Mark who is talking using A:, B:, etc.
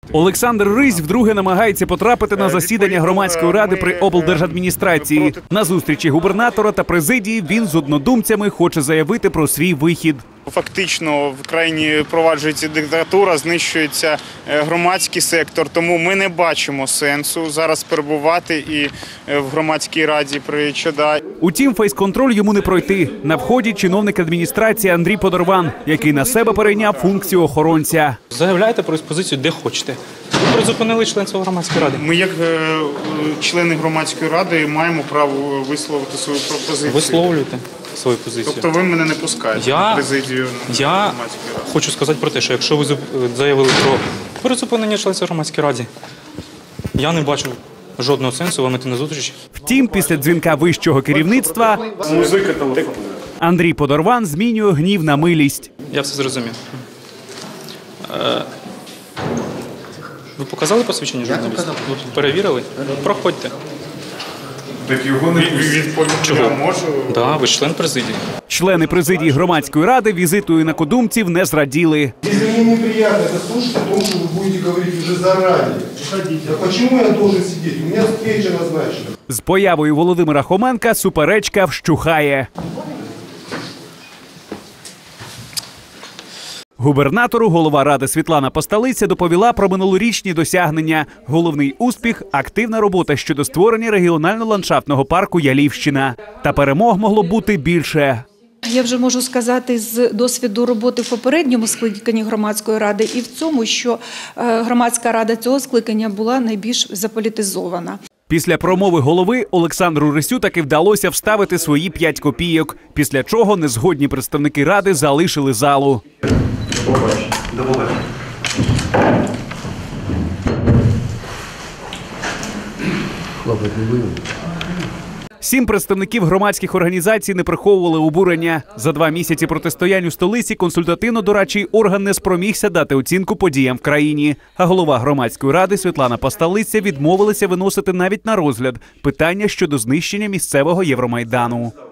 A: Олександр Рись вдруге намагається потрапити на засідання громадської ради при облдержадміністрації. На зустрічі губернатора та президії він з однодумцями хоче заявити про свій вихід.
B: Фактично в країні впроваджується диктатура, знищується громадський сектор, тому ми не бачимо сенсу зараз перебувати і в громадській раді при ЧОДА.
A: Утім, фейс-контроль йому не пройти. На вході чиновник адміністрації Андрій Подорван, який на себе перейняв функцію охоронця.
C: Заявляйте про експозицію де хочете. Ви призупинили членство громадської ради.
B: Ми, як члени громадської ради, маємо право висловити свою пропозицію.
C: Висловлюйте свою позицію.
B: Тобто ви мене не пускаєте в президію
C: громадської ради? Я хочу сказати про те, що якщо ви заявили про призупинення членства громадської ради, я не бачу жодного сенсу вам іти на зустріч.
A: Втім, після дзвінка вищого керівництва Андрій Подорван змінює гнів на милість.
C: Я все зрозумів. Ви показали посвідчення журналіста? Ви перевірили? Проходьте.
B: Так його не відповідь я можу.
C: Так, ви член президії.
A: Члени президії громадської ради візиту інакодумців не зраділи.
D: Мені неприємно це слухати, тому що ви будете говорити вже зарані. Так чому я должен сидіти? У мене зустріча назначена.
A: З появою Володимира Хоменка суперечка вщухає. Губернатору голова ради Світлана Посталиця доповіла про минулорічні досягнення. Головний успіх – активна робота щодо створення регіонально-ландшафтного парку «Ялівщина». Та перемог могло бути більше.
E: Я вже можу сказати з досвіду роботи в попередньому скликанні громадської ради і в цьому, що громадська рада цього скликання була найбільш заполітизована.
A: Після промови голови Олександру Рисю таки вдалося вставити свої 5 копійок, після чого незгодні представники ради залишили залу.
F: До побачення.
A: 7 представників громадських організацій не приховували обурення. За 2 місяці протистоянь у столиці консультативно-дорадчий орган не спромігся дати оцінку подіям в країні. А голова громадської ради Світлана Посталиця відмовилася виносити навіть на розгляд питання щодо знищення місцевого Євромайдану.